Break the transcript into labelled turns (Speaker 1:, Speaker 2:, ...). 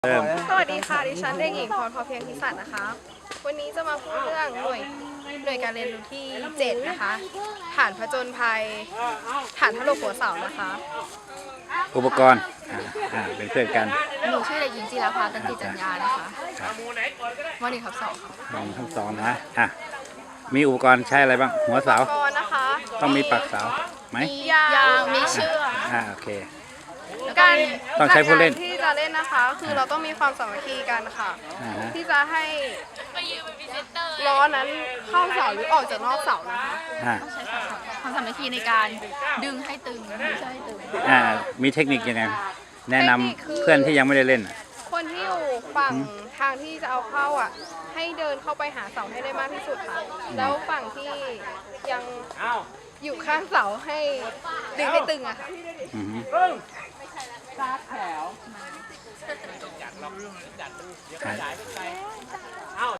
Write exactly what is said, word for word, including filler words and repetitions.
Speaker 1: เริ่ม
Speaker 2: สวัสดีค่ะ ดิฉันเด็กหญิงพรพอเพียงทิสันนะคะ วันนี้จะมาพูดเรื่องหน่วยหน่วยการเรียนรู้ที่เจ็ดนะคะ ฐานผจญภัย ฐานทะลุหัวเสานะคะ
Speaker 1: อุปกรณ์อ่าอ่าเป็นเพื่อนกัน
Speaker 3: หนูชื่อเด็กหญิงจิราภาตันติจัญญานะคะมหนึ่งทับสองค่ะ
Speaker 1: ลองทั้งสองนะอ่ะมีอุปกรณ์ใช้อะไรบ้างหัวเสา
Speaker 2: อุปกรณ์นะคะ
Speaker 1: ต้องมีปักเสาไหม
Speaker 2: มียาง
Speaker 3: ยางมีเชือก
Speaker 1: อ่าโอเค
Speaker 2: การ
Speaker 1: ต้องใช้ผู้เล่น
Speaker 2: การที่จะเล่นนะคะ คือเราต้องมีความสามัคคีกันค่ะ
Speaker 1: อ่าฮะ
Speaker 2: ที่จะให้ล้อนั้นเข้าเสาหรือออกจากนอกเสานะคะ
Speaker 1: อ่า
Speaker 3: ใช้ความสามัคคีในการดึงให้ตึงไม่ใช่ให้ตึง
Speaker 1: อ่ามีเทคนิคยังไงแนะนำเพื่อนที่ยังไม่ได้เล่นอ่ะ
Speaker 2: คนที่อยู่ฝั่งทางที่จะเอาเข้าอ่ะ ให้เดินเข้าไปหาเสาให้ได้มากที่สุดค่ะ แล้วฝั่งที่ยังอยู่ข้างเสาให้ดึงให้ตึงอะค่ะ
Speaker 1: อือฮึอ่า